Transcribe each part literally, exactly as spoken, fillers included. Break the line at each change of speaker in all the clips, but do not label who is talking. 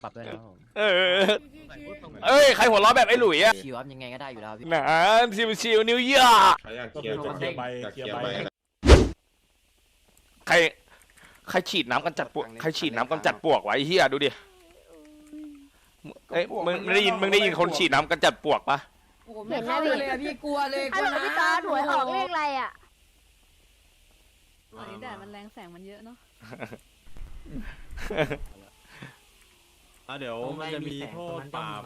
ปรับด้วยนะครับผม
เออเอ้ยใครหัวเราะแบบไอ้หลุยอะ
ชิวครับยังไงก็ได้อยู่แล้วพี่
หนาชิวชิวนิวยอร์ก
ใครอยากเคลียร์จะเคลียร์ใบเคลียร์ใบ
ใครใครฉีดน้ำกันจัดปวกใครฉีดน้ำกันจัดปวกไว้เฮียดูดิเอ้ยมึงมึงได้ยินมึงได้ยินคนฉีดน้ำกันจัดปวกปะ
เห็นนะพี่เลยพี่กลัวเลยก
ฮัล
ลั
โห
ว
ล
นะ
พี่ตาถวยออกเลขอะไรอ่ะ
ตอนนี้แดดมันแรงแสงมันเยอะเนาะ
อ่ะเดี๋ยวมันจะมีโทษปรับ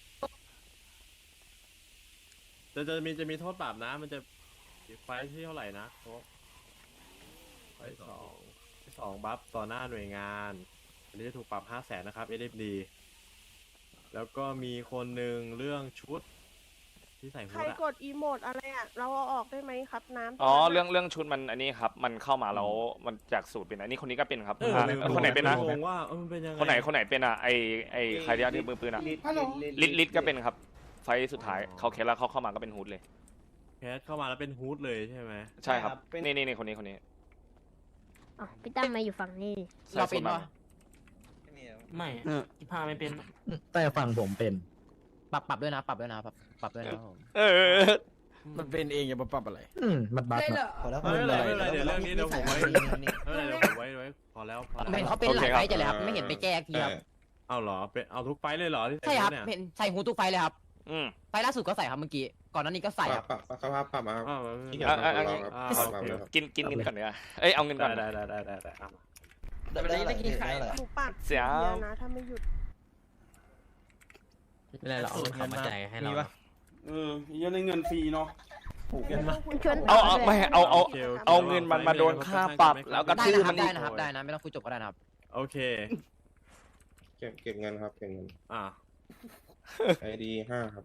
จะจะมีจะมีโทษปรับนะมันจะไฟที่เท่าไหร่นะไฟสองสองบัฟต่อหน้าหน่วยงานอันนี้จะถูกปรับห้าแสนนะครับ เอส เอฟ ดี แล้วก็มีคนหนึ่งเรื่องชุดที่ใส่
ใค
ฮู
ร
ดอะ
กดอีโมดอะไรอ่ะ เราเอาออกได้ไหมครับน้ำ
อ๋อเรื่องเรื่องชุดมันอันนี้ครับมันเข้ามาแล้วมันจากสูตรเป็นอันนี้คนนี้ก็เป็นครับ
เออ
อ่ะคนไหนเป็นนะ
งงว่าเออมันเป็นยังไง
คนไหนคนไหนเป็นอ่ะไอไอใครที่ถือมือปืนอ่ะลิดลิดก็เป็นครับ ไฟสุดท้ายเขาเคสแล้วเขาเข้ามาก็เป็นฮูดเลย
แคสเข้ามาแล้วเป็นฮูดเลยใช่ไหม
ใช่ครับนี่นี่นี่คนนี้คนนี้
อ๋อพี่ตั้มมาอยู่ฝั่งนี้
เราเป็นปะ
ไม่ที่พาไม่เป็น
แต่ฝั่งผมเป็น ปรับปรับด้วยนะปรับด้วยนะปรับปรับด้วยนะครับผม
เออ
มันเป็นเองอย่ามาปรับอะไร
อืมมันบัฟ
ได้เหร
นะ
อ
ไม่เป็นไรไม่เป็นไรเดี๋ยวเรื่องนี้เดี๋ยวผมไว้ไม่เป็นไรเดี๋ยวผมไว้ไว้พอแล้วพอแล้ว
เห็นเขาเป็นหลายไฟต์จะเลยครับไม่เห็นไปแก้ทีครับ
เอาเหรอเป็นเอาทุกไฟล์เลยเหรอที่
ใช่ครับ
เนี่ย
เห็นใส่หูทุกไฟต์เลยครับ
อืม
ไฟต์ล่าสุดก็ใส่ครับเมื่อกี้ก่อนหน้านี้ก็ใส่ครับ
ปรับสภาพปรับมาครับ
อ้าว
ที่
ไม่
เกี่ยว
เป็นไร
กับ
อ่ะ
เราครับ
อ่า
ปรับมาครับ
กินกินเงินก่อนเนีกว่ยเอ้ยเอาเงินก่อน
ได้ได้ได้ได้ได้เอา
แต่ไม่ได้ได้กินไข่
หนูปัด
เสีย
เดียวนะถ้าไม่หยุด
ไม่ได้หรอกเขามาจ่ายให้เรา
เออยังได้เงินฟรีเนาะถูกกันมา
มันชวน
เอาเอาไม่เอาเอา
โคโค
เอาเงินมันมาโดนค่าปรับแล้วก็
ได้
ชื่อ
นะค
มั
รับ
นอี
ได้
ก
นะครับได้นะไม่ต้องคุยจบก็ได้นะครับ
โอเค
เก็บเก็บเงินครับเก็บเงิน
อ่า
ไอดีห้าครับ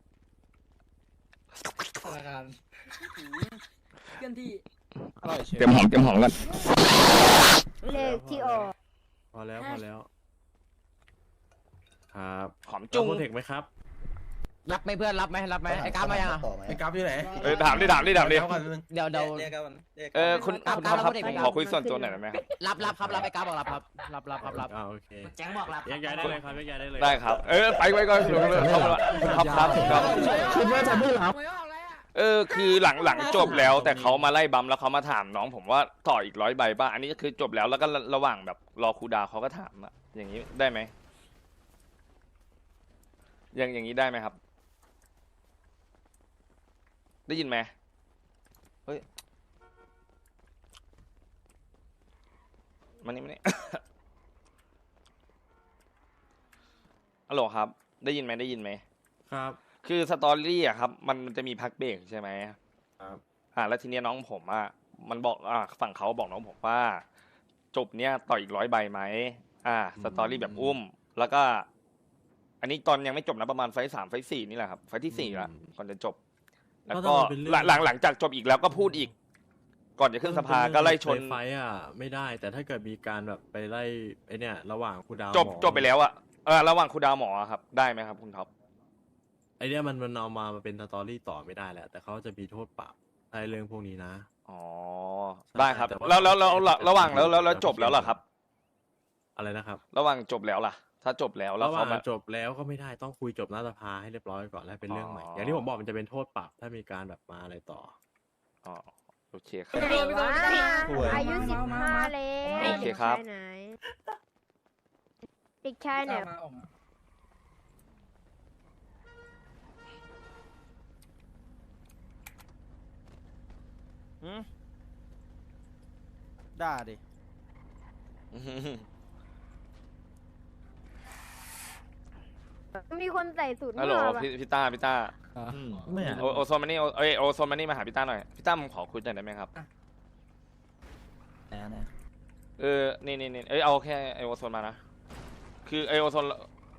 ธนาคาร
เคลื่อนที่
อร่อยเชียว
เตรียมหอมเตรียมหอมกัน
เลขที่ออก
พอแล้วพอแล้วครับ
หอมจุ้ง
โปรเทคไหมครับ
รับไหมเพื่อนรับไหมรับไหมไอ้กราฟมายังอ่ะ
ไอ้กราฟที่ไหน
เออถามดิถามดิถามดิ
เดี๋ยวเดี๋ยว
เออคุณ
ครับ
คุณท็อปครับ
ครับ
ผมขอคุยส่วนตัวหน่อยได้ไหมครับ
รับรับครับรับไอ้กราฟบอกรับครับรับรับครับรับ
อ่าโอเค
แจ้งบอกรับ
แยกย้ายได้เลยครับแยกย้ายได้เลย
ได้ครับ เออไปไว้ก่อนคุณท็อปครับครับครับ
คิดว่าจะไม่รับ
หวยออกแล้วอ่ะ
เออคือหลังหลังจบแล้วแต่เขามาไล่บัมแล้วเขามาถามน้องผมว่าต่ออีกร้อยใบป่ะอันนี้ก็คือจบแล้วแล้วก็ระหว่างแบบรอครูดาวเขาก็ถามอะอย่างนี้ได้ไหมอย่างอย่างนี้ได้ไหมครับ ได้ยินไหมเฮ้ยมานี่มานี่ ฮัลโหลครับ ได้ยินไหมได้ยินไหม
ครับ
คือสตอรี่อะครับมันมันจะมีพักเบรกใช่ไหม
ครับ
อ่าแล้วทีเนี้ยน้องผมอะมันบอกอ่าฝั่งเขาบอกน้องผมว่า จบเนี้ยต่ออีกร้อยใบไหมอ่าสตอรี่แบบอุ้ม แล้วก็ อันนี้ตอนยังไม่จบนะประมาณไฟท์สามไฟท์สี่นี่แหละครับไฟท์ที่สี่ละก่อนจะจบ แล้วก็หลังหลังหลังจากจบอีกแล้วก็พูดอีก ก่อนจะขึ้นสภาก็ไล่ชน
ไฟอ่ะไม่ได้แต่ถ้าเกิดมีการแบบไปไล่ไอเนี่ยระหว่างครูดาว
จบ
หมอ
จบไปแล้วอะเออระหว่างครูดาวหมออะครับ ได้ไหมครับคุณท็อป
ไอเนี่ยมันมันเอามามาเป็นสตอรี่ต่อไม่ได้แหละแต่เขาจะมีโทษปรับในเรื่องพวกนี้นะ
อ๋อได้ครับแล้วแล้วแล้วแล้วระหว่างแล้วแล้วแล้วจบแล้วเหรอครับ
อะไรนะครับ
ระหว่างจบแล้วล่ะ ถ้าจบแล้วแล้ว
ระห
เขา
ว่าง
มา
จบแล้วก็ไม่ได้ต้องคุยจบหน้าสภาให้เรียบร้อยก่อนแล้วเป็นเรื่องใหม่
อ๋อ
อ
อ
ย่างที่ผมบอกมันจะเป็นโทษปรับถ้ามีการแบบมาอะไรต่อ
อ๋อโอเคครับ
ไหนวะอายุสิบห้าแล้ว
โอเคครับ
เด็กชายไหนเด็กชายไหน
มาออกมา
ด่าดิ
มีคนใส่สูตร
ฮัลโหล
มั่วปะ
พี่พี่ต้าพี่ต้า
ไม่
โอโอโซนมานี่โอเอยโอโซนมานี่มาหาพี่ต้าหน่อยพี่ต้าผมขอคุยหน่อยได้ไหมครับเออนี่นี่นี่เอ้ยเอาแค่ไอโอโซนมานะคือไอโอโซน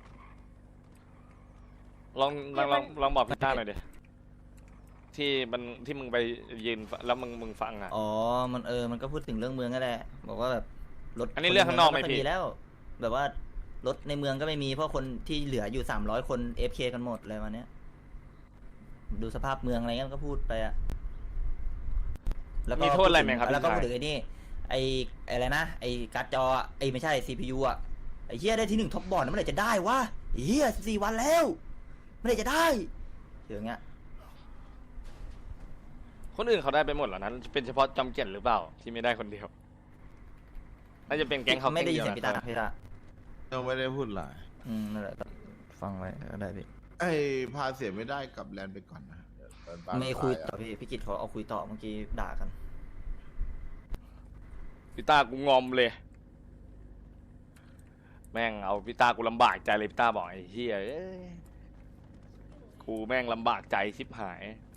ลองลองลองลองบอกพี่ต้าหน่อยดิที่มันที่มึงไปยืนแล้วมึงมึงฟังอ่ะ
อ๋อมันเออมันก็พูดถึงเรื่องเมืองก็แหละบอกว่าแบบรถ
อันนี้เรื่องข้างนอกไหมพี่
แล้ว แบบว่ารถในเมืองก็ไม่มีเพราะคนที่เหลืออยู่สามร้อยคนเอฟเคกันหมดอะไรมาเนี้ยดูสภาพเมืองอะไรเงี้ยก็พูดไปอะแล้วก็
มีโทษอะไรไหมครับ
แล้วก็
พี่ชาย
พูดถึงไอ้นี่ไอ้อะไรนะไอ้การ์ดจออะไอ้ไม่ใช่ซีพียูอะไอ้เหี้ยได้ที่หนึ่งท็อปบอร์ดเมื่อไหร่จะได้วะไอ้เหี้ยสิบสี่วันแล้วเมื่อไหร่จะได้อย่างเงี้ย
คนอื่นเขาได้ไปหมดแล้วนะเป็นเฉพาะจอมเกียรติหรือเปล่าที่ไม่ได้คนเดียวน่าจะเป็นแก๊งเขา
ไม่ได้ยิน
แก๊
เสียง
ดีว
พี่ตาพี่ตา
ยังไม่ได้พูดหลาย
อืมนั่นแหละฟังไว้ก็ได้พี่
ไอ้พาเสียไม่ได้กับแลนไปก่อนนะเดี๋ยวตอนบ้าน
ไม่คุย
ปลา
ต่อพี่พี่กิตเขาเอาคุยต่อเมื่อกี้ด่ากัน
พี่ตากูงอมเลย แม่งเอาพี่ตากูลำบากใจเลยพี่ตาบอกไอ้เหี้ยเอ้ยกูแม่งลำบากใจชิบหาย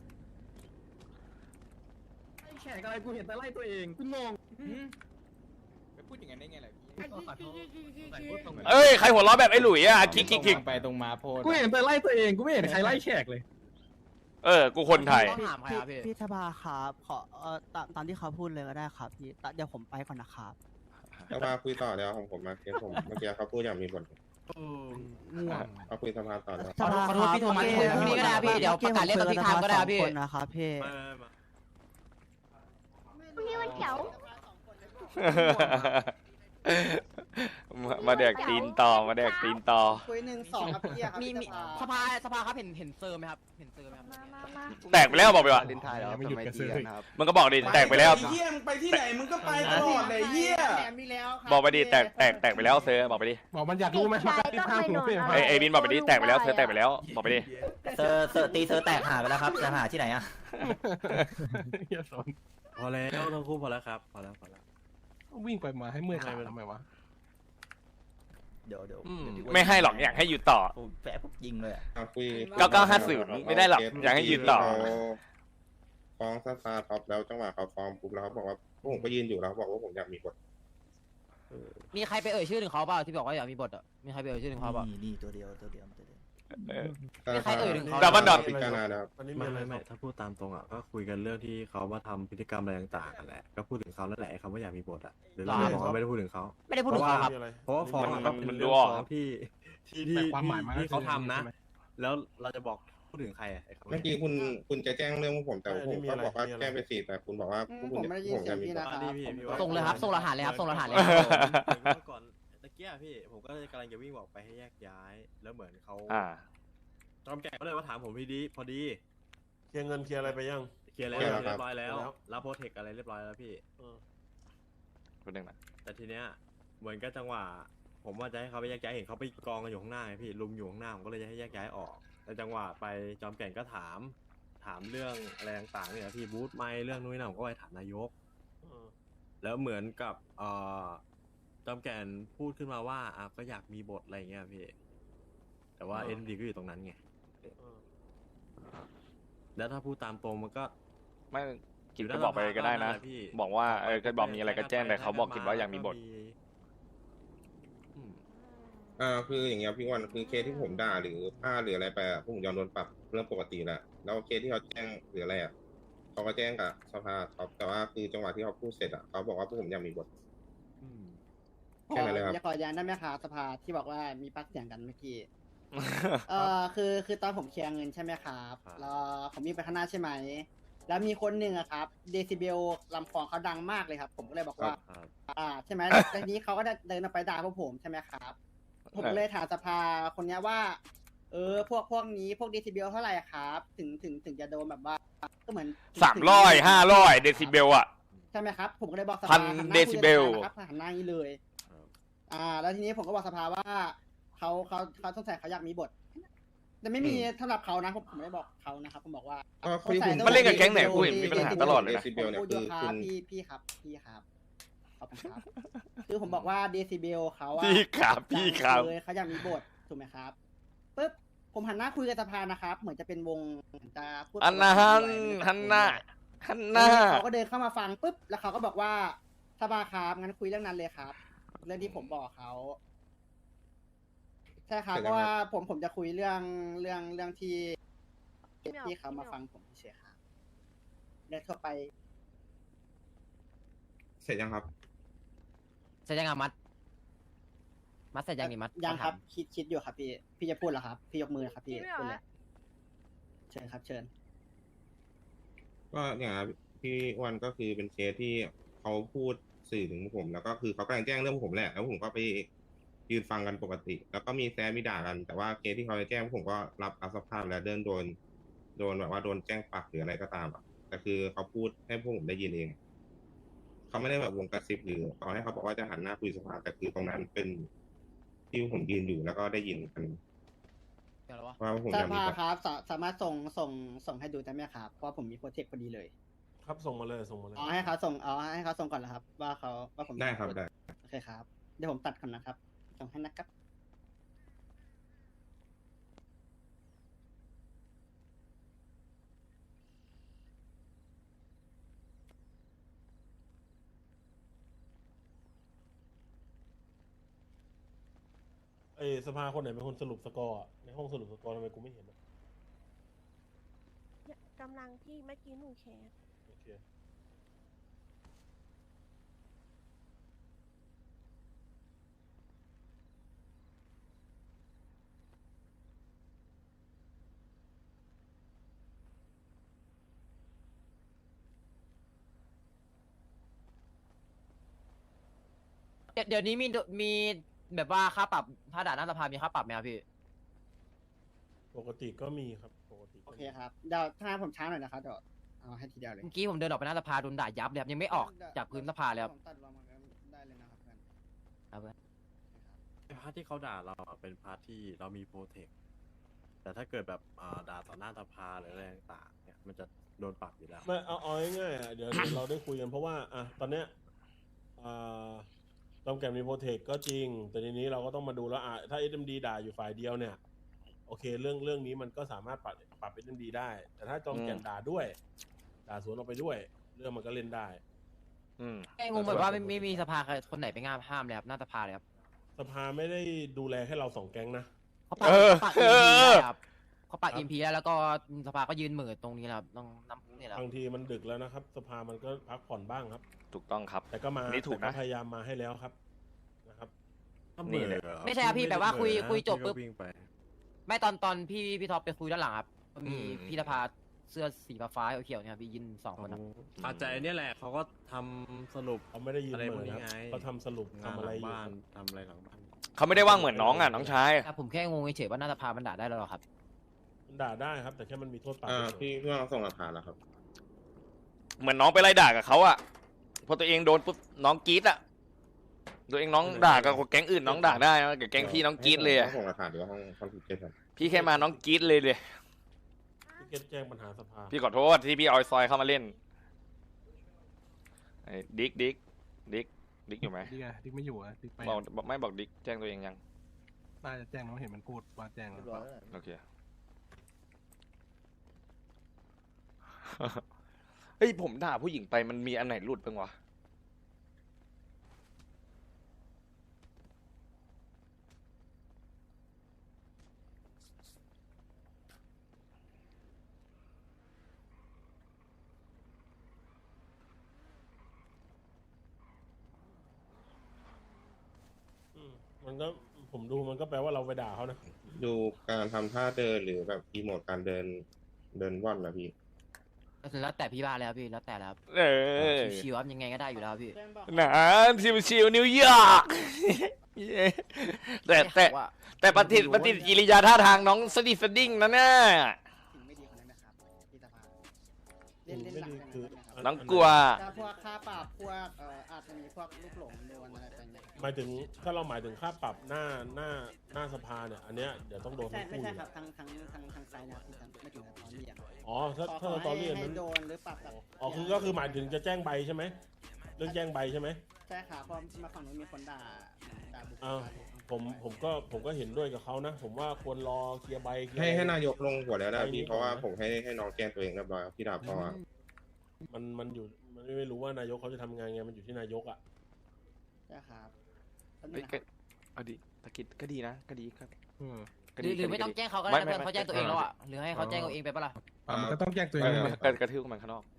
แขกอะไรกูเห็นแต่ไล่ตัวเองกูงง
ไปพูดอย่างนั้นได้ไงล่ะพี่
เอ้ยใครหัวเราะแบบไอ้หลุยอ่ะคิกคิกคิก
ไปตรงมาโพด
กูเห็นแต่ไล่ตัวเองกูไม่เห็นใครไล่แขกเลย
เออกูคนไทย
ถามใครครับพี่
พี่ธบาครับขอเอ่อตามตามที่เขาพูดเลยก็ได้ครับพี่ตะเดี๋ยวผมไปก่อนนะครับ
สภาคุยต่อแล้วของผมมาเคสผมเมื่อกี้เขาพูดอย่างมีบท
ง่วง
เอาคุยสภาต่อแล้ว
ธบาครับพี่โทมัสคุยพรุ่งนี้ก็ได้พี่เดี๋ยวประกาศเรียกตอนที่ทำก็ได้พี่คนนะครับพี่
มามา
พรุ่งนี้วันเสาร์
มามาแดกตีนต่อมาแดกตีนต่อ
คุยหนึ่งสองครับพี่มีมีสภาสภาครับเห็นเห็นเซอร์ไหมครับเห็นเซอร์ไหมครับ
มามามา
แตกไปแล้วบอกไปว่า
ลินไทยแล้วไม่หยุดกระซื้อ
มันก็บอกดิแตกไปแล้ว
ไอ้เหี้ยมึงไปที่ไหนมึงก็ไปตลอดเลยไอ้เหี้ย
บอกไปดิแตกแตกแตกไปแล้วเซอร์บอกไปดิ
บอกมันอยากรู้ไหม
ใช่ก็เคยนอน
ไอไอบินบอกไปดิแตกไปแล้วเซอร์แตกไปแล้วบอกไปดิ
เซอร์เซอร์ตีเซอร์แตกหาไปแล้วครับจะหาที่ไหนอะ
พอแล้วทั้งคู่พอแล้วครับพอแล้วพอแล้ว
วิ่งไปมาให้เมื่อยขาทำไมวะ
เดี๋ยวเดี๋ยว
อืม
เดี๋ยว
ไม่ให้หรอกอยากให้อยู่ต่อ
ผมแฝงปุ๊บยิงเลยอะ
เอาคุย
เก้าเก้าห้าศูนย์ไม่ได้หรอกอยากให้ยืนต่อ
ฟ้องสตาร์ท็อปแล้วจังหวะเขาฟ้องปุ๊บแล้วเขาบอกว่าพวกผมก็ยืนอยู่แล้วเขาบอกว่าผมอยากมีบท
มีใครไปเอ่ยชื่อถึงเขาเปล่าที่บอกว่าอยากมีบทอ่ะมีใครไปเอ่ยชื่อถึงเขาเปล่า
นี่นี่ตัวเดียวตัวเดียวตัวเดียว
เออ
มีใครเอ่ยถึงเขา
ดับเบิลดอท
พิจารณาแล้ว
ไม่ไม่ไม่ถ้าพูดตามตรงอ่ะก็คุยกันเรื่องที่เขามาทำพฤติกรรมอะไรต่างๆกันแหละก็พูดถึงเขาแล้วแหละคำว่าอยากมีบทอ่ะหรือเราบอกว่าไม่ได้พูดถึงเขา
ไม่ได้พูดถึงเขาครับ
เพราะว่าฟ้อง
มัน
ก็
มั
เป็น น
ดู
เรื่อง
ออก
ฟ้องที่ที่ที่
แต่ความหมายมันก็
ที่เขาทำนะ
ใช่ไหม
แล้วเราจะบอกพูดถึงใครอ่ะไอ้คำว่า
เมื่อกี้คุณคุณจะแจ้งเรื่องพวกผมแต่ผมก็บอกว่าแจ้งไปสี่แต่คุณบอกว่าพวกคุณจะผมจะมีบท
อ่ะนี่พี่พี่ว่า
ส่งเลยครับส่งรหัสเลยครับส่งรหัสเลย
เมื่อก่อนตะเกียพี่ผมก็กำลังจะวิ่งบอกไปให้แยกย้าย แล้วเหมือนเขา
อ่า
จอมแก่ก็เลยมาถามผมพอดีพอดี
เคลียร์เงินเคลียร์อะไรไปยัง
เคลียร์แล้ว
เคลียร์แล้วครับ
เรียบร้อยแล้วรับโปรเทคอะไรเรียบร้อยแล้วพี่
คนหนึ่งนะ
แต่ทีเนี้ยเหมือนกับจังหวะผมว่าจะให้เขาไปแยกย้ายเห็นเขาไปกองกันอยู่ข้างหน้าไงพี่ลุมอยู่ข้างหน้าผมก็เลยจะให้แยกย้ายออกแต่จังหวะไปจอมแก่นก็ถาม ถามเรื่องอะไรต่างๆเนี่ยพี่บูธไม่เรื่องนู้นนนั่นผมก็ไปถามนายกแล้วเหมือนกับเอ่อจอมแก่นพูดขึ้นมาว่าอ่ะก็อยากมีบทอะไรเงี้ยพี่แต่ว่าเอ็นดีก็อยู่ตรงนั้นไงแล้วถ้าพูดตามตรงมันก็
ไม่กินก็บอกไปก็ได้นะ บอกว่าเออก็บอกมีอะไรก็แจ้งแต่เขาบอกกินว่าอยากมีบท
อืม
อ่าคืออย่างเงี้ยพี่วันคือเคสที่ผมด่าหรือผ้าหรืออะไรไปอ่ะพวกผมยอมโดนปรับเรื่องปกติแหละแล้วเคสที่เขาแจ้งหรืออะไรอ่ะเขาก็แจ้งกับสภาครับแต่ว่าคือจังหวะที่เขาพูดเสร็จอ่ะเขาบอกว่าพวกผมอยากมีบท
อืม
แค่นั้นเลยครับ
จะขอย้านได้ไหมคะสภาที่บอกว่ามีปักเสียงกันเมื่อกี้ เออคือคือตอนผมเคลียร์เงินใช่ไหมครับแล้วผมวิ่งไปข้างหน้าใช่ไหมแล้วมีคนหนึ่งอะครับเดซิเบลลำคอเขาดังมากเลยครับ ผมก็เลยบอกว่า
ครับ
อ่าใช่ไหม ทีนี้เขาก็เดินออกไปด่าพวกผมใช่ไหมครับ ผมเลยถามสภาคนเนี้ยว่า เออพวกพวกนี้พวกเดซิเบลเท่าไหร่ครับ ถึงถึงถึงจะโดนแบบว่าก็เหมือน
สามร้อยห้าร้อยเดซิเบลอ่ะ
ใช่ไหมครับ ผมก็เลยบอกส
พั
ภาน หันหน้า
เดซิเบล
คุยกันนะครับหันหน้าอย่างนี้เลย อ่า แล้วทีนี้ผมก็บอกสภาว่าเขาเขาเขาสงสัยเขาอยากมีบท แต่ไม่มีสำหรับเขานะผมผมไม่ได้บอกเขานะครับผมบอกว่า
ก็คุยคุณ
มันเล่นกับแก๊งไหนกูเห็นมีปัญหาตลอดเลยนะ
เดซิเบลเนี่ย
พูด
คื
อยู่
อ
ครับ
คุณ
พี่พี่ครับพี่ครับขอบคุณครับ คือผมบอกว่าเดซิเบลเขาอะ
พี่ครับพี่ครับ
เลยเขาอยากมีบทถูกไหมครับปุ๊บผมหันหน้าคุยกับสภานะครับ เหมือนจะเป็นวงเหมือนจะพูด
อันนะฮันฮันน่าฮันน่า
เขาก็เดินเข้ามาฟังปุ๊บแล้วเขาก็บอกว่าสภาครับงั้นคุยเรื่องนั้นเลยครับ เรื่องที่ผมบอกเขาใช่ครับเพราะว่าผมผมจะคุยเรื่องเรื่องเรื่องที่ที่เขามาฟังผมเฉยๆครับเรื่องทั่วไป
เสร็จยังครับ
เสร็จยังอ่ะมัด มัดเสร็จยังนี่มัดยังครับ คิดคิดอยู่ครับพี่ พี่จะพูดเหรอครับ พี่ยกมือครับพี่พูดเลยเชิญครับ เชิญ
ก็เนี่ยครับพี่อ้วันก็คือเป็นเคสที่เขาพูดสื่อถึงผม แล้วก็คือเขากำลังแจ้งเรื่องผมแหละแล้วผมก็ไปยืนฟังกันปกติ แล้วก็มีแซะมีด่ากัน แต่ว่าเคสที่เขาจะแจ้งผมก็รับรับสภาพแล้วเดินโดนโดนแบบว่าโดนแจ้งปรับหรืออะไรก็ตามอะแต่คือเขาพูดให้พวกผมได้ยินเอง เขาไม่ได้แบบวงกระซิบหรือต่อให้เขาบอกว่าจะหันหน้าคุยสภาแต่คือตรงนั้นเป็นที่ผมยืนอยู่แล้วก็ได้ยินกันว่าผม
ส
จะมี
ภา
แบบ
ครับสาสามารถส่งส่งส่งให้ดูได้ไหมครับเพราะว่าผมมีโปรเจกต์พอดีเลย
ครับส่งมาเลยส่งมาเลย
อ๋อให้เขาส่งอ๋อให้เขาส่งก่อนเหรอครับ ว่าเขาว่าผม
ได้ครับได้
โอเคครับเดี๋ยวผมตัดก่อนนะครับส่งให้นะครับ
ไอ้สภาคนไหนเป็นคนสรุปสกอร์อะในห้องสรุปสกอร์ทำไมกูไม่เห็นอะ
กำลังที่เมื่อกี้หนูแชร์
โอเค
เดี๋ยวนี้มีมีแบบว่าค่าปรับถ้าด่าหน้าสภามีค่าปรับไหมครับพี่
ปกติก็มีครับปกติ
โอ
ก็
เค
มี
ครับเดี๋ยวถ้าผมช้าหน่อยนะครับเดี๋ยวเอาให้ทีเดียวเลย
เมื่อกี้ผมเดินออกไปหน้าสภาโดนด่ายับเลยครับยังไม่ออกจากพื้นสภาเลยครับ
ผมตัดลงมาได้เลยนะครับเพื่อน
ครับเพื่อน
ไอ้พาร์ทที่เขาด่าเราอะเป็นพาร์ทที่เรามีโปรเทค แต่ถ้าเกิดแบบอ่าด่าต่อหน้าสภาหรืออะไรต่างๆเนี่ยมันจะโดนปรับอยู่แล้วไม่เอาเอาง่ายๆอะเดี๋ยวเดี๋ยวเราได้คุยกันเพราะว่าอ่ะตอนเนี้ยอ่าตอมแกมมีโปรเทคก็จริง แต่ทีนี้เราก็ต้องมาดูแล้วอ่ะถ้า เอส เอ็ม ดี ด่าอยู่ฝ่ายเดียวเนี่ยโอเคเรื่องเรื่องนี้มันก็สามารถปรับปรับ เอส เอ็ม ดี ได้ แต่ถ้าจอมแกมด่าด้วย ด่าสวนออกไปด้วย เรื่องมันก็เล่นได้
อืม
ไอ้งงแบบว่าไม่ไม่มีสภาใครคนไหนไปห้ามห้ามเลยครับหน้าสภาเลยครับ
สภาไม่ได้ดูแลแค่เราสองแก๊งนะ
เขาปัก
เออ
ปัก
เอ
อิมพี
อ
ได้ครับเขาปักอิมพีได้แล้วก็สภาก็ยืนเหมือตรงนี้แหละครับต้องน้ำพุนี่แหละครับ
บางทีมันดึกแล้วนะครับ สภามันก็พักผ่อนบ้างครับ
ถูกต้องครับ
แต่ก็มา
นี่ถูกนะ
แต่พยายามมาให้แล้วครับนะครับ
นี่แหละ
ไม่ใช่ครับพี่แบบว่าคุยคุยจบปุ๊บไม่ตอนตอนพี่พี่ท็อปไปคุยด้านหลังครับก็มี
อืม
พี่สภาเสื้อสีฟ้าๆเขียวๆเนี่ยครับพี่ยืนสองคนครับ
อาจจะเนี่ยแหละเขาก็ทำสรุปเขาไม่ได้ยืนเหมือนครับเขาทำสรุปทำอะไรอยู่ทำอะไรหลังบ้าน
เขาไม่ได้ว่างเหมือนน้องอ่ะน้องชาย
แต่ผมแค่งงเฉยๆว่าหน้าสภามันด่าได้แล้วเหรอครับ
มันด่าได้ครับ แต่แค่มันมีโทษปรับ
อ่า
เฉย
พี่พี่ว่าส่งหลักฐานแล้วครับ
เหมือนน้องไปไล่ด่ากับเขาอ่ะพอตัวเองโดนปุ๊บน้องกรี๊ดอ่ะตัวเองน้องด่ากับแก๊งอื่นน้องด่าได้นะกับแก๊งพี่น้องกรี๊ดเลยอะ
ส่งหลักฐานหรือว่าห้องคอนฟิวเจอร์ครับ
พี่แค่มาน้องกรี๊ดเลยเลย
พี่เก็ตแจ้งปัญหาสภา
พี่ขอโทษที่พี่เอาไอ้ซอยเข้ามาเล่นไอ้ดิ๊กดิ๊กดิ๊กดิ๊กอยู่ไหม
ดิกอะดิกไม่อยู่อะดิกไป
บอกบอกไม่บอกดิ๊กแจ้งตัวเองยัง
น่าจะแจ้งน้องเห็นมันพูดว่าแจ้งแล้ว
โอเค เฮ้ยผมด่าผู้หญิงไปมันมีอันไหนหลุดบ้างวะ
อืมมันก็ผมดูมันก็แปลว่าเราไปด่าเขานะ
ดูการทำท่าเดินหรือแบบอีโมดการเดินเดินว่อนนะพี่
แล้วแต่พี่บ้านแล้วพี่แล้วแต่แล้วครับ
เออ
ชิวๆครับยังไงก็ได้อยู่แล้วพี่
หนาชิวชิวๆนิวยอร์ก แต่แต่
ว่า
แต่ปฏิปฏิกิริยาท่าทางน้องสดิสดิ้งนะเนี่ย
สิ่งไม่ดีคนนั้นนะครับพี่สภาเล่นเล่นหลัง
ไม่ดี
กัน
คือ
นะครับ
น้องกลัว
ถ้าพวกค่าปรับพวกเอ่ออาจจะมีพวกลูกหลงโดนอะไรต่างๆ
หมายถึงถ้าเราหมายถึงค่าปรับหน้าหน้าหน้าสภาเนี่ยอันเนี้ยเดี๋ยวต้องโดน
ใช่
ทั้ง
ไม่
คู่
ใช่
อยู่
ครั
แล้
บ
ว
ทางทางทางทางไซน์นะครับทางไม่ถึงทางตอนนี้อ่ะ
อ๋อถ้า
ขอ
ถ้า
ขอ
สตอรี่
ให้
อัน
ให้
นั้น
โดนหรือปรับแบบ
อ๋อคือก็คือหมายถึงจะแจ้งใบใช่ไหมเรื่องแจ้งใบใช่ไหม
ใช่ครับเพราะมาฝั่งนู้นมีคนด่าด่าบุคคล
อ้าวผมผมก็ผมก็เห็นด้วยกับเขานะ ผมว่าควรรอเคลียร์ใบเคลียร์
ให้ให้
อะไร
นายกลงหัวแล้วนะ
ไปนี้
พี่เพราะว่า
ก่อนนะ
ผมให้ให้น้องแก้ตัวเองเรียบร้อยครับพี่ดาบพอครับ
มันมันอยู่มันไม่รู้ว่านายกเขาจะทำงานไงมันอยู่ที่นายกอ่ะ
ใช่ครับแป๊บนึ
เฮ้ย
งนะค
ก็
รับ
เอาดิตะกิดก็ดีนะก็ดีครับ
อืม
ก็
ห
ดี
รือหรือไม่
ก็
ต้อง
ดี
แจ้งเขาก็ได้
ไม่
นะ
ไม่
เพื่อนเขาแจ้งตัวเองแล้วอ่ะหรือให้เขาแจ้งตัวเองไปปะล่ะ
อ่ะมันก็ต้องแจ้งตัวเอง
เอ
ด้
อ
วย
ก็กระทืบมันข้างนอก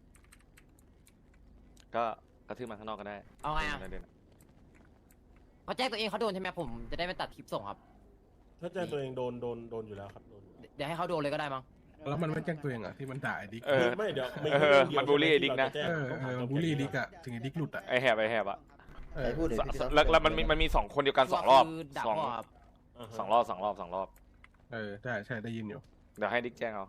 ก็กระทืบมันข้างนอกก็ได้
เอาไงอ่ะ
ม่ด้นะ
เขาแจ้งตัวเองเขาโดนใช่ไหมผมจะได้ไม่ตัดคลิปส่งครับ
ถ้าแจ้งตัวเองโดนโดนโดนอยู่แล้วครับโดนอยู่แล้ว
เดี๋ยวให้เขาโดนเลยก็ได้มั้ง
แล้วมันไม่แจ้งตัวเองอ่ะที่มันด่าไอ้ดิก
เออ
ไม่เดี๋ยวไม่
เออ
เรื่องเดียว
มันบูลลี่
ใช่ไห
ดิ๊กนะ
ที่
เอ
เรา
อ
จแจ้ง
เออ
ต้องถาม
บูลลี่ดิกอะถึงไอ้ดิกหลุดอะ
ไอแหบไอแหบอะ
เอ
ใคร
อ
พูดเดี๋ยว
ส
พี่ต๊อด
แล้วแล้วมันมีมันมีสองคนเดียวกันสองรอบ
คือด่า
สอง
พ่อครับ
าฮะ
สองรอบสองรอบสองรอบ
เออใช่ใช่ได้ยินอยู่
เดี๋ยวให้ดิ๊กแจ้งเอา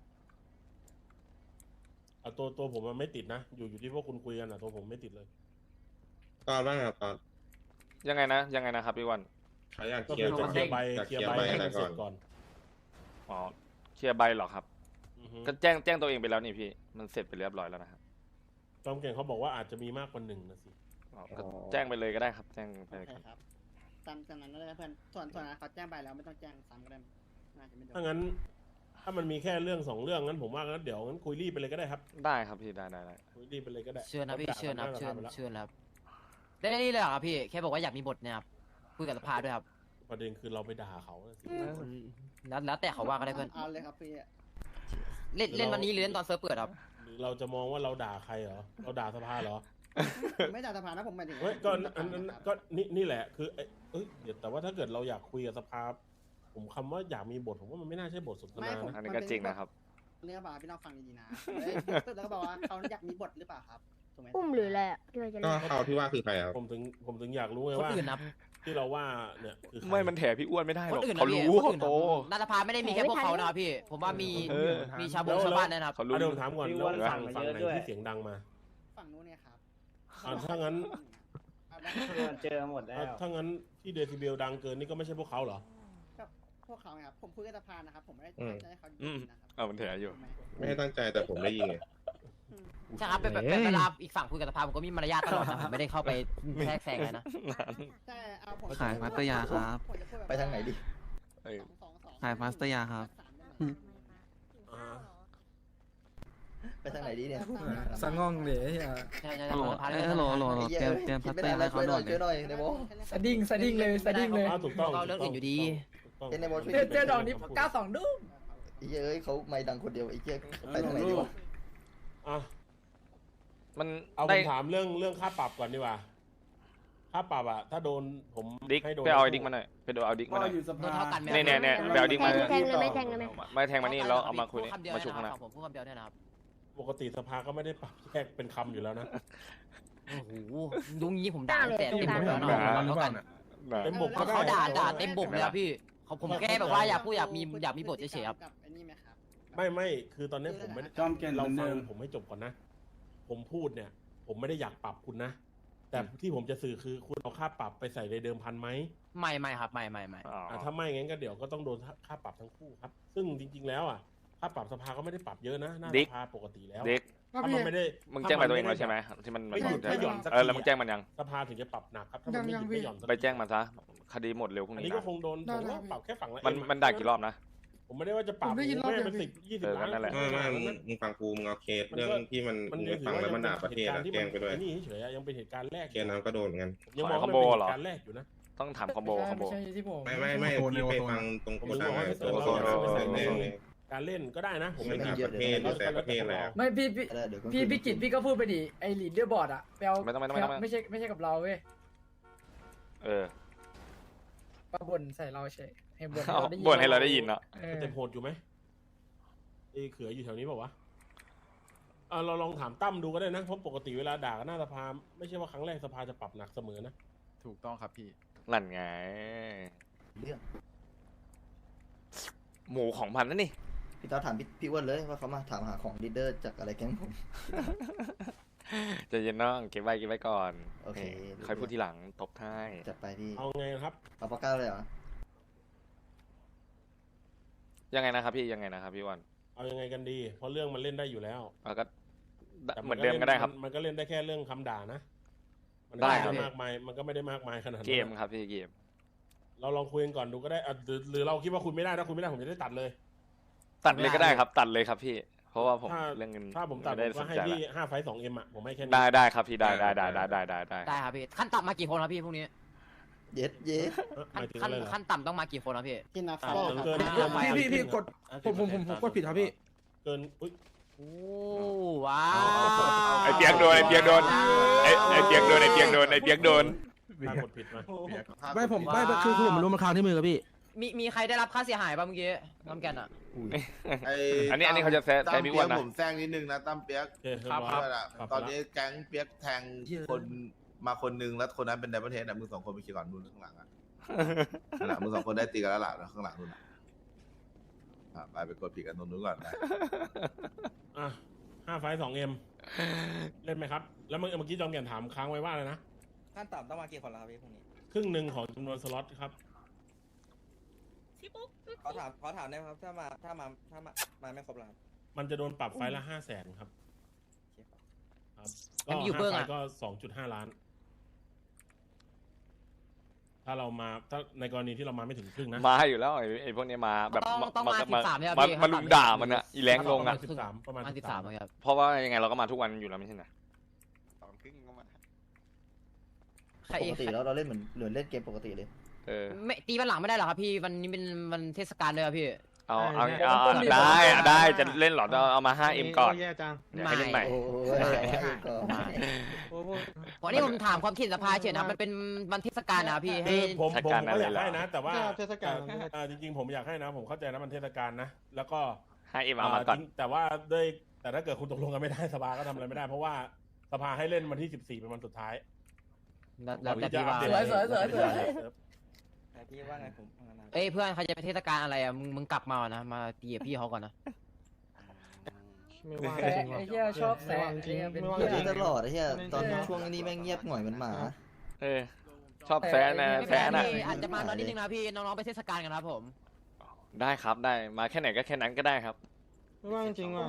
อ่ะตัวตัวผมมันไม่ติดนะ อยู่อยู่ที่พวกคุณคุยกันอ่ะตัวผมไม่ติดเลย
ตอนบ้างครับตอน
ยังไงนะยังไงนะครับพี่วัน
เขาอยาก
ก็
เคลีย
คือ
ร์
จะเคลียร์ใบ
อยาก
เค
เค
ลี
ลี
ย
ย
ร์
ร์
ใบ
ใบ
ให้
อะไร
มันเส
ก่
ร็
อน
จก่อน
อ๋อเคลียร์ใบเหรอครับ
อือฮึ
ก็แจ้งแจ้งตัวเองไปแล้วนี่พี่มันเสร็จไปเรียบร้อยแล้วนะครับ
จอมเก่งเขาบอกว่าอาจจะมีมากกว่าหนึ่งนะสิ
อ๋อก็แจ้งไปเลยก็ได้ครับ แจ้งไป
โอเคครับตามตามนั้นเลยเพื่อนส่วนส่วนนั้นเขาแจ้งไปแล้วไม่ต้องแจ้งซ้ำก็ได้น่าจะไม่โดน
ถ้างั้น ถ้ามันมีแค่เรื่องสองเรื่องงั้นผมว่างั้นเดี๋ยวงั้นคุยรีบไปเลยก็ได้ครับ
ได้ครับพี่ได้ได้ได้
คุยรีบไปเลยก็ได้
เชิญนะพี่
ด่า
เชิญนะ
กั
เชิญ
หาสภาไปแล้ว
เชิญครับได้ได้นี่เลยเหรอครับพี่แค่บอกว่าอยากมีบทเนี่ยครับคุยกับสภาด้วยครับ
ประเด็นคือเราไปด่าเขาน่ะสิ
แล้วแล้วแต่เขาว่าก็ได้เพื่อน
เอาเลยครับพี่
เล่นเล่นวันนี้หรือเล่นตอนเซิร์ฟเปิดครับ
หรือเราจะมองว่าเราด่าใครเหรอเราด่าสภาเหรอ
ผมไม่ด่าสภานะผมหมายถึง
เฮ้ยก็อันนั้นก็นี่นี่แหละคือเอ้ยเอ้ยเดี๋ยวแต่ว่าถ้าเกิดเราอยากคุยกับสภาผมคำว่าอยากมีบทผมว่ามันไม่น่าใช่บทสนทนา
ผม
นะ
อันนี้ก็จริงนะครับ
เนื้อปลาพี่น้องฟังดีๆนะเอ้ยแล้วก็บอกว่าเขาอยากมีบทหรือเปล่าครับถูกไหม
อุ้มหรืออะไรอ่ะที่เราจะ
ก็
เล่น
เขาที่ว่าคือใครครับ
ผมถึงผมถึงอยากรู้ไง
คน
ว่า
อื่นนะ
ที่เราว่าเนี่ยคือใคร
ไม่มันแถพี่อ้วนไม่ได้ห
ค
ร
น
อก
อื่นนะ
เขา
พี่
รู้
คน
เขา
อื่น
โต
นะรัฐสภาไม่ได้มีแค่พวกเขานะครับพี่ ผมว่ามี
เออ
มีชาวบงชาวบ้านนะครับ
เขารู้
อ่ะเดี๋ยวผมถามก่อน
พี่
แล้ว
อ้วน
ฝั่ง
สั่
ฝั่
ง
ง
มา
ไหน
เยอะด้วย
ที่เสียงดังมา
ฝั่งนู้นเนี่ยครับ
อ่ะถ้างั้น
เอาได้
เจอหมดแล้ว
อ่ะถ้างั้นที่เดซิเบลดังเกินนี่ก็ไม่ใช่พวกเขาเหรอ
ก็พวกเขาไงครับผมคุยกับสภานะครับผมไม่ได้
อืม
ตั้งใจให้เขา
อืม
นะครับ
เอามันแถอยู่
ถูกไหม
ไม่ได้ตั้งใจแต่ผมได้ยินไง
ใช่ครับเป็นแบบเป็นเวลาอีกฝั่งคุยกับสภาผมก็มีมารยาทตลอดนะผมไม่ได้เข้าไปแทรกแซงเลยนะ
ใช่เอาผม
ขายมาสเตอร์ยาครับ
ผมจะพูแบบ
ไปทางไหนดิ
เออ
สองสองสอง
ขายมาสเตอร์ยาครับ
อ่า
ไปทางไหนดีเนี่ย
สังงองเลยเฮีย
ใช่ใช่
ฮัลโหล
สภา
เอ้ยฮัลโหลฮัลโหลฮัลโหลเตรียมเตรียมพัตเตอร์อะไรเขาด่วนเล
ช่วย
ย
หน่อยในโบ
สดิ้งสดิ้งเลยสดิ้งเลย
อ่ะถูกต้อง
เขาเรื่องอื่นอยู่ดี
ถูกต้อง
เอ็นในโบช่วย
เจอเจอดอกนี้เก้าสองดุ้ม
ไอ้เหี้ยเอ้ยเขาไม่ดังคนเดียวไอ้เหี้ยไปทางไหนดีวะ
อ่ะ
มัน
เอาผ
ได้
มถามเรื่องเรื่องค่าปรับก่อนดีกว่า ค่าปรับอะถ้าโดนผม
ดิ๊ก
ให้โดน
ไปเอาไอ้ดิ๊กมาหน่อยไปดูเอาดิ๊ก
ก็
มาหน่อย
อยู่ส
โด
ภาน
เท่ากันไหม
เนี่ยเนี่ยเนี่ยไปเอาดิ๊กมา
แทงเลยไหมแทงเลยไหม
ไม่แทงมานี่แล้วเอามาคุยนี่
พูดคำเดียว
มาชุบ
นะ
ข้างห
ค
น้า
รับผมพูดคำเดียวเนี่ยนะครับ
ปกติสภาก็ไม่ได้ปรับแยกเป็นคำอยู่แล้วนะ
โอ้โหยุงนี้ผมด่า
ด่าเลย
แต่เต็มบกแล้ว
ด่า
เนาะ
เราหรือเปล่า
เ
เนี่ย
เต็มบกก็
ขา
ได้
ด่าด่าเต็มบกเลยครับพี่เขาผมแค่แบบว่าอยากพูดอยากมีอยากมีบทเฉยๆครับ
กับไอ้นี่ไหมครับ
ไม่ไม่คือตอนนี้ผมไม่ได้
จอมแก่น
เรา
เหมือน
ฟั
เดิ
ง
ม
ผมให้จบก่อนนะ ผมพูดเนี่ย ผมไม่ได้อยากปรับคุณนะ แต่ที่ผมจะสื่อคือคุณเอาค่าปรับไปใส่ในเดิมพันไหม
ไม่ไม่ครับไม่ไม่ไม่
อ๋อ
อ่ะถ้าไม่งั้นก็เดี๋ยวก็ต้องโดนค่าปรับทั้งคู่ครับ ซึ่งจริง ๆ แล้วอ่ะค่าปรับสภาก็ไม่ได้ปรับเยอะนะหน้า
ดิ๊
ส
ก
ภาตัวเองแล้ว
ดิ๊ก
ถ้ามันไม่ได้
มึงแจ้งไปตัวเองแล้วใช่ไหมที่มัน
ไม่หยุดไม่หย่อนสัก
เออ
ที
แล้วมึงแจ้งมันยัง
สภาถึงจะปรับหนักครับถ้ามันไม่หยุดไม่หย่อนสักที
ไปแจ้งมันซะคดีหมดเร็วพรุ่ง
อัน
นี้
นี้ก็
นะ
คงโดนผมว่าปรับแค่ฝั่งละ
มัน
เอ็อะ
มันด่ากี่รอบนะ
ผมไม่ได้ว่าจะปรับ
ผมได้ยินรอบ
ไม่
เดียว
เป็นสิบยี่สิบ
เออ
ล้าน
นั่นแหละ
ไม่ไม่มึงมึงฟังกูมึงเอาเคสเรื่องที่มัน
มัน
มึง
ยั
ไม่
งถื
ฟั
อง ว่า
แล้ว
ยั
มัน
ง
ด่าประเทศ
เป็น
อะ
เหตุ
แจ้
การ
ง
ณ์
ไป
ที่
ด้วย
มันนี่เฉยๆยังเป็นเหตุการณ์แรก
เคสนั้นก็โดนเหมือนกัน
ยังมอง
ขอ
ว่า
คอม
เป็น
โบเหรอ
เหตุการณ์แรกอยู่นะ
ต้องถามคอมโบคอมโบ
ไม่ใช่ที่ผม
ไม่ไม่ไม่พี่ไปฟังตรงโกดังไงตัว
โอ้
โซ
โห
น
โอ้โห
แดงเลย
การเล่นก็ได้นะ ผม
ไม่
ไม่
ต่า
ติ
ง
ด
ประเทศหรือแต่ประเทศแล้ว
ไม่พี่พี่
เออเดี๋ยวก็
พี่พี่กิจพี่ก็พูดไปดิไอลีดเดอร์บอร์ดอะไปเอา
ไม่ต้องไม่ต้องไม่ต้อง
ไม่ใช่ไม่ใช่กับเราเว้ย
เออ
มาบ่นใส่เราเฉยให้บ่น
เอา
เราได้ยิน
บ่นให้เราได้ยินเนาะ
เออ
เต็มโหดอยู่ไหมไอ้เขืออยู่แถวนี้เปล่าวะอ่าเราลองถามตั้มดูก็ได้นะเพราะปกติเวลาด่ากันหน้าสภาไม่ใช่ว่าครั้งแรกสภาจะปรับหนักเสมอนะ
ถูกต้องครับพี่
นั่นไง
เรื่อง
หมูของพันนั่นนี่
พี่ต๊อดถามพี่พี่อ้วนเลยว่าเขามาถามหาของลีดเดอร์จากอะไรแก๊งผม
ใจะเย็นน้องเก็บไว้เก็บไว้ก่อน
โอเค
นี่ค่อยพูดทีหลังตบท้าย
จัดไปพี่
เอาไงครับ
เอาปากกาเลยเหรอ
ยังไงนะครับพี่ยังไงนะครับพี่วัน
เอายังไงกันดี เพราะเรื่องมันเล่นได้อยู่แล้ว
เอาก็
แต่
เหมือนเดิมก็ได้ครับ
มันก็เล่นได้แค่เรื่องคำด่านะมัน
ได้
ไม่
ครับ
ได้มากมายมันก็ไม่ได้มากมายขนาดนั้น
เกมครับพี่เกม
เราลองคุยกันก่อนดูก็ได้อ่ะหรือหรือเราคิดว่าคุณไม่ได้ถ้าคุณไม่ได้ผมจะได้ตัดเลย
ตัดเลยก็ได้ครับ ตัดเลยครับพี่ เพราะว่าผม
ถ้า
เรื่องเงิน
ถ้าผมตัด
ไได้
ผมก็
สน
ให้
ใจ
พี่
ละ
ห้าไฟสองเอ็มอ่ะผมให้แค่นี้
ได้ได้ครับพี่ได้ได้ได้ได้ได้ได้ได้
ได้ครับพี่ขั้นต่ำมากี่คนครับพี่พวกนี้
เย็ดเย็ด
เอ้อห
ขั้น
มายถึง
ขั้
อะ
น
ไรเหรอ
ขั้นต่ำต้องมากี่คนครับพี่
ที่นับ
อ่ะ
ฟัง
เกิน
ครับ
เกิน
พี่พี่พี่กด ผมผมผมผมกดผิดครับพี่
เกินอุ้ย
โอ้ว้าว
ไอเปียกโดนไอเปียกโดนไอไอเปียกโดนไอเปียกโดนไอเปียกโดน
ถ้ากดผิดมา
ไม่ผมไม่คือคือผมรู้มันค้างที่มือครับพี่
มีมีใครได้รับค่าเสียหายป่ะเมื่อกี้น้ำแกนอ่ะ
ไอ้
อันนี้อันนี้เขาจะแซะ
ตั้
แซะ
ม
พี่
เปี
อ้
ย
ว
ก
นนะ
ผมแซงนิดนึงนะตั้มเปียก
โอเคเรียบร้อย
ด้วยล่ะ
ปรับไปละ
ตอนนี้แก๊งเปียกแทงคนมาคนนึงแล้วคนนั้นเป็นไดมอนเทสอ่ะมึงสองคนไปเคลียร์ก่อนนู่นข้างหลังอ่ะนั่นแหละมึงสองคนได้ตีกันแล้วล่ะข้างหลังนู่นอ่ะอ่ะไปไปกดผิดกันตรงนู้นก่อนไป
อ่ะห้าไฟสองเอ็มเล่นไหมครับ แล้วเมื่อเมื่อกี้จอมแก่นถามค้างไว้ว่าอะไรนะ
ขั้นต่ำต้องมากี่คนแล้วครับพี่พรุ่งนี้
ครึ่งหนึ่งของจำนวนสล็อตครับ
ขอถามขอถามได้ไหมครับถ้ามาถ้ามาถ้ามามาไม่ครบแล้วครับ
มันจะโดนปรับไฟละห้าแสนครับครับ
อันนี้อยู่
ห้า
เบื้อง
ไฟ
อะ
ก็สองจุดห้าล้าน ถ้าเรามาถ้าในกรณีที่เรามาไม่ถึงครึ่งนะ
มาอยู่แล้วไอ้ไอ้พวกนี้มาแบบ
ต้องต้องมาสิบสามเนี่ย
มา
พี่
มาลุมด่ามันอะอีแรงลงอะ
สิบสามประมาณ
สิบสามครับ
เพราะว่ายังไงเราก็มาทุกวันอยู่แล้วไม่ใช่เหรอสองครึ่งก็มา
ใคร
ปกติแล้วเราเล่นเหมือนเหมือนเล่นเกมปกติเลย
เออ
ไม่ตีวันหลังไม่ได้หรอครับพี่วันนี้เป็นวันเทศกาลเลยครับพี่
เอาเอาเอาเอาได้อะได้จะเล่นเหรอเราเอามา ห้าเอ็ม ก่อน
แย่จัง
เดี๋ยวให้เล่นใหม่
โอ้ย
วันนี้ผมถามความคิดสภาเฉยนะครับมันเป็นวันเทศกาลนะครับพี่ให้
คือผม
เทศ
ผม
กาล
ก็อยาก
อะไรเหรอ
ให้นะ แต่ว่า
เทศกาล
เอ่อจริงๆผมอยากให้นะ ผมเข้าใจนะมันเทศกาลนะ แล้วก็
ห้าเอ็มเอามาก่อน
จริงแต่ว่าด้วยแต่ถ้าเกิดคุณตกลงกันไม่ได้สภาก็ทำอะไรไม่ได้ เพราะว่าสภาให้เล่นวันที่สิบสี่เป็นวันสุดท้าย
แล้วแล้วแต่พี่ว่า
ก่อนที่จะอัปเดต
สวยสวยสวยสวย
แต่พี่ว่าไงผม
เอ้ยเพื่อนเขาจะไปเทศกาลอะไรอ่ะมึงมึงกลับมาก่อนนะมาตีกับพี่เขาก่อนนะ
ไม่ว่าง
แซะ
จริงหรอ
ไอ้เหี้ยชอบแซะ
ไม่ว่างจริง
ไอ้เหี้ยเป็น
ไม่ว่าง
เหี้
จ
ย
ริง
ตลอดไอ้เหี้ยตอนช่วงนี้แม่งเงียบหน่อยเหมือนหมา
เออชอบแซะนะ
ไม่เป็น
แซะ
ไร
นะ
พี่อาจจะมาน้อยนิดนึงนะพี่น้องๆไปเทศกาลกันครับผม
ได้ครับได้มาแค่ไหนก็แค่นั้นก็ได้ครับ
ไม่ว่างจริงว่ะ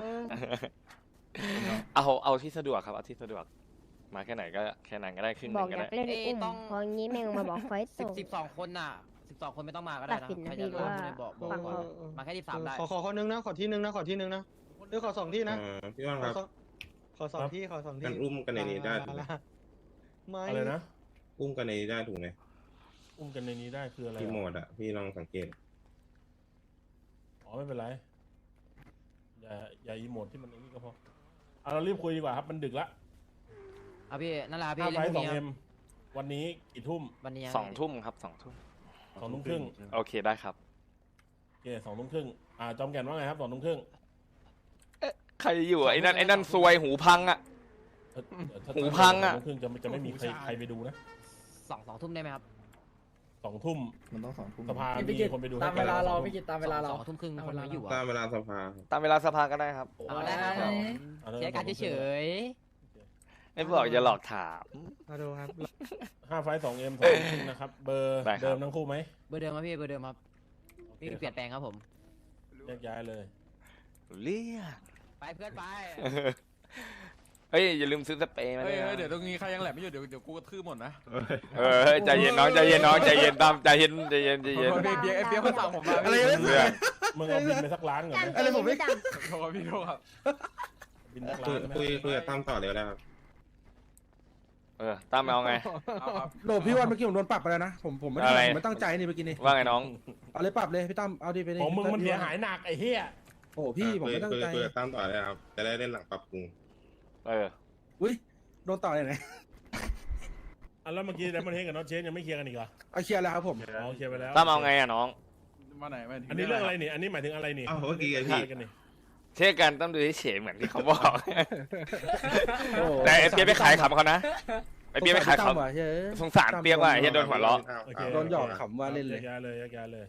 เอาเอาที่สะดวกครับเอาที่สะดวก มาแค่ไหนก็แค่นั้นก็ได้ครึ่งห
บ
นึ
อก
งก็
อยา
ได้
กเล่นอุ้มพองี้แม่งมาบอกไฟ
สิบ
ตก
สิบสองคนน่ะสิบสองคนไม่ต้องมาก็ได้
ตั
นะ
ดสินนะ
ใคร
พี่
จะมา
ว่า
ไม่บอกบอก
ฟัง
ก่อน
เขา
มาแค่ที่สามได้
ขอขอคนนึงนะ ขอที่นึงนะ ขอที่นึงนะหรือขอสองที่นะ
เออพี่ว่าน
ข
ค
อ
รับ
สองขอสองที่ขอสองที่
งั้นอุ้มกันในนี้ได้ถูกไหม
ไม่
อะไรนะ
อุ้มกันในนี้ได้ถูกไหม
อุ้มกันในนี้ได้คืออะไร
พี่โหม
อ่ะ
ดอ่ะพี่ลองสังเกต
อ๋อไม่เป็นไร อย่าอย่าอีโมดที่มันไอ้นี่ก็พอเอาเรารีบคุยดีกว่าครับมันดึกละ
เอาพี่นั่นแหละครับ
ห้า
พี่
ไฟ
เล่นพ
ส
รุ่
อง ง
นี้
เอ็มวันนี้กี่ทุ่ม
วันนี้
สองทุ่มครับสองทุ่ม
สองทุ่มครึ่ง
โอเคได้ครับ
โอเคสองทุ่มครึ่งอ่าจอมแก่นว่าไงครับสองทุ่มครึ่ง
ใครอยู่อะไอ้นั่นไอ้นั่นซวยหูพังอะ
เอ่อเดี๋ยวถ้า
หูพังอะ
สทุ่มครึ่งจะจะไม่มีใครใครไปดูนะ
สองสองทุ่มได้ไหมครับ
สองทุ่ม
มันต้องสองทุ่ม
สภา
พี่
มี
กิจ
คนไปดู
ตาม
ให้
เวลาเรา
สองทุ่ม
พี่กิจตามเวลาเรา
สองทุ่มครึ่งคนไม่อยู่
ตา
อ่ะ
มเวลาสภา
ตามเวลาสภาก็ได้ครับ
เอาได้ครับผม
เอาเลย
เสียการเฉย
ไม่บอกอย่าหลอกถาม
มาดูครับ
ห้าไฟสองเอ็มสองทุ่มนะครับ เบอร์
ได้ครับ
เดิมทั้งคู่ไหม
เบอร์เดิมครับพี่เบอร์เดิมครับพี่เปลี่ยนแปลงครับผม
แยกย้ายเลย
เรียก
ไปเพื่อนไป
เฮ้ยอย่าลืมซื้อสเปรย์มา
เฮ้
ด้วย ย
เฮ้ย
นะ
เดี๋ยวตรงนี้ใครยังแหลมไม่อยู่เดี๋ยวเดี๋ยวกูกระทืบหมดนะ
เออเฮ้ยใจเย็นน้องใจเย็นน้องใจเย็นตามใจเย็นใจเย็นใจเย็น
โทษพี่เบียร์ไอ้เบียร์มันสั่งผมมา
อะไร
พี่
ไม่
เรื่อง
มึงเอาบินไปสักล้านก่อนไหม
อะไรผมไม่
โทษพี่โทษครับ
บินสัก
คุ
ล้าย นไหม
คุยคุยกับตั้มต่อเลยก็ได้ครับ
เออตามเอาไง
เอาครับโหลพี่วันเมื่อกี้ผมโดนปรับไปแล้วนะผมผมไม่ได้
อะไร
ผมไม่ตั้งใจนี่เมื่อกี้นี่
ว่าไงน้อง
เอาเลยปรับเลยพี่ตั้มเอาดิไปดิ
ของมึงมันเสียหายหนักไอ้เหี้ย
โอ้พี่ผมไม่ตั้ง
คุย
ใจ
คุยกับตั้มต่อเลยครับ จะได้เล่นหลังปรับปรุง
เออ
อุ้ยโดนต่อยังไง
อ่ะแล้วเมื่อกี้ไดมอนเฮดกับน้องเชนยังไม่เคลียร์กันอีกเหรอ
เอาเคลียร์แล้วครับผม
อ๋อเคลียร์ไปแล้ว
ตามเอาไงอะน้อง
มาไหนมาถึ
อันนี้เรื่องอะไรนี่อันนี้หมายถึงอะไรนี่
อ้าวเมื่อกี้ไงพี่
เคลียร์กันนี่
เช่กันต้องดูเฉยๆเหมือนที่เขาบอก
โอ้
แต่ไอ้เปียกไปขายขำเขานะไอ้เปียกไปขาย
ตั้ม
ขำ
ว่ะเฮ้ย
สงสารเปียกว่ะไอ้เฮียโดนหัวเราะ
โอเค
โดนหยอกขำว่าเล่นเลย
แยกย้ายเลยแยกย้ายเลย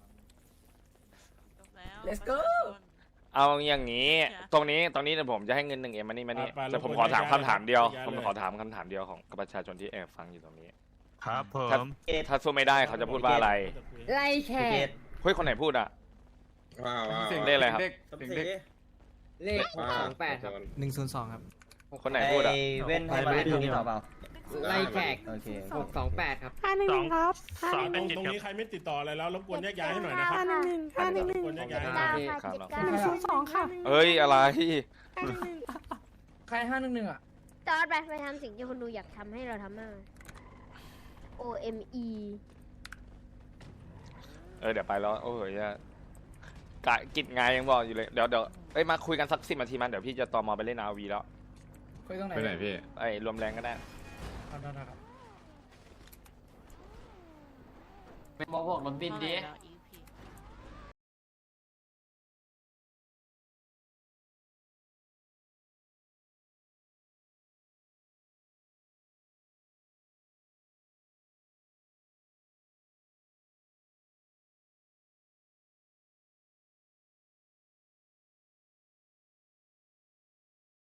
let's go
เอาอย่างนี้ ตรงนี้ตรงนี้เดี๋ยวผมจะให้เงินหนึ่งเอ็มมานี่มานี่แต่ผมขอถามคำถามเดียว ผมขอถามคำถามเดียวของประชาชนที่แอบฟังอยู่ตรงนี้
ครับผ
ถ้าม ถ้าสู้ไม่ได้เขาจะพูดว่าอะไร
ไล่แข
เก
ก
ต
เฮ้ยคนไหนพูดอ่ะ
ว้าวว้าว
เสียง
เลขอะไรครับ
เด็กเสียงเด็ก
เลขหกสองแปดครับ
หนึ่งศูนย์สองครับ
คนไหนพูดอ่ะ
ไอ้เว้นให้มาเล่นตรงนี้ต่อเปล่า
ไล่แขก
โอเค
หกสองแปดครับ
ห้าหนึ่งหนึ่งครับห้า
ต
ห
ร
นึ่
ง
งหนึ่ง
ตรงนี้ใครไม่ติดต่ออะไรแล้วรบกวนแยกย้ายให้หน่อยนะครับ
ห้าหนึ่งหนึ่งห้าหนึ่งหนึ่ง
รบกวนแยกย้ายให้หน่
เก้า
อย
ค่ะ
ครับ
เจ็ดเก้า
หนึ่งศูนย์สองค่ะ
เฮ้ยอะไร
ห้าหนึ่งหนึ่ง
ใครห้าหนึ่งหนึ่งอ่ะ
จอดไปไปทำสิ่งที่คนดูอยากทำให้เราทำมาก O M E
เออเดี๋ยวไปแล้วโอ้ยกะกิจงานยังบอกอยู่เลยเดี๋ยวเดี๋ยวเอ้ยมาคุยกันสักสิบนาทีมันเดี๋ยวพี่จะตอมอไปเล่นอาวีแล้ว
คุยตรงไหน
ไปไหนพี่
ไอ้รวมแรงก็ได้
เอาได้ครับ
เป็นบอกบอกรถบินดิ
อีก